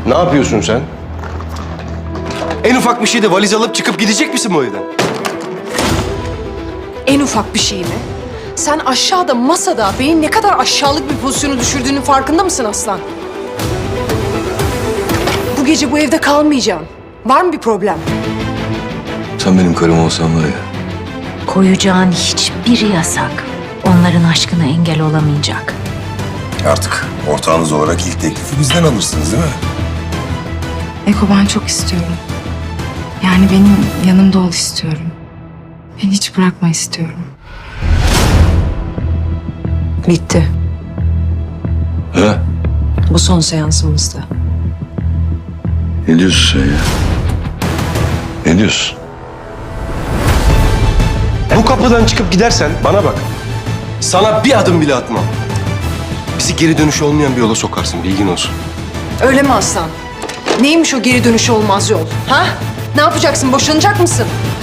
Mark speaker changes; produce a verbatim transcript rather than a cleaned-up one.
Speaker 1: Ne yapıyorsun sen? En ufak bir şeyde valiz alıp çıkıp gidecek misin bu evden?
Speaker 2: En ufak bir şey mi? Sen aşağıda masada beni ne kadar aşağılık bir pozisyona düşürdüğünün farkında mısın Aslan? Bu gece bu evde kalmayacağım. Var mı bir problem?
Speaker 3: Sen benim karım olsan var ya.
Speaker 4: Koyacağın hiçbir yasak onların aşkına engel olamayacak.
Speaker 5: Artık ortağınız olarak ilk teklifi bizden alırsınız değil mi?
Speaker 6: Eko, ben çok istiyorum. Yani benim yanımda ol istiyorum. Beni hiç bırakma istiyorum.
Speaker 2: Bitti.
Speaker 3: Ha?
Speaker 2: Bu son seansımızda.
Speaker 3: Ne diyorsun sen ya? Ne diyorsun?
Speaker 1: Bu kapıdan çıkıp gidersen bana bak. Sana bir adım bile atmam. Bizi geri dönüşü olmayan bir yola sokarsın, bilgin olsun.
Speaker 2: Öyle mi Aslan? Neymiş o geri dönüşü olmaz yol? Ha? Ne yapacaksın? Boşanacak mısın?